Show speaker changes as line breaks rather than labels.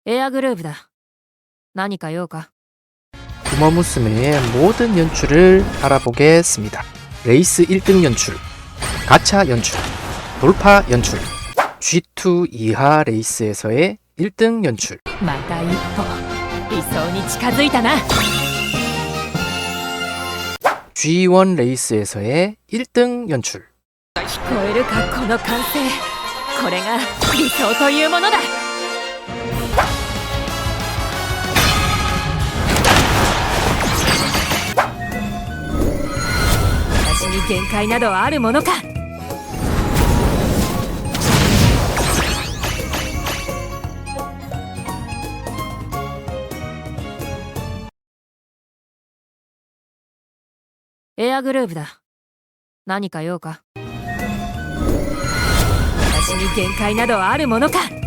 エアグルーヴだ。何か用か?
우마무스메의 모든 연출을 알아보겠습니다. 레이스 1등 연출, 가차 연출, 돌파 연출, G2 이하 레이스에서의 1등 연출.
また一歩理想に近づいたな。
G1 레이스에서의 1등 연출.
聞こえるかこの歓声。これが理想というものだ。私に限界などあるものか。エアグルーヴだ。何か用か。私に限界などあるものか。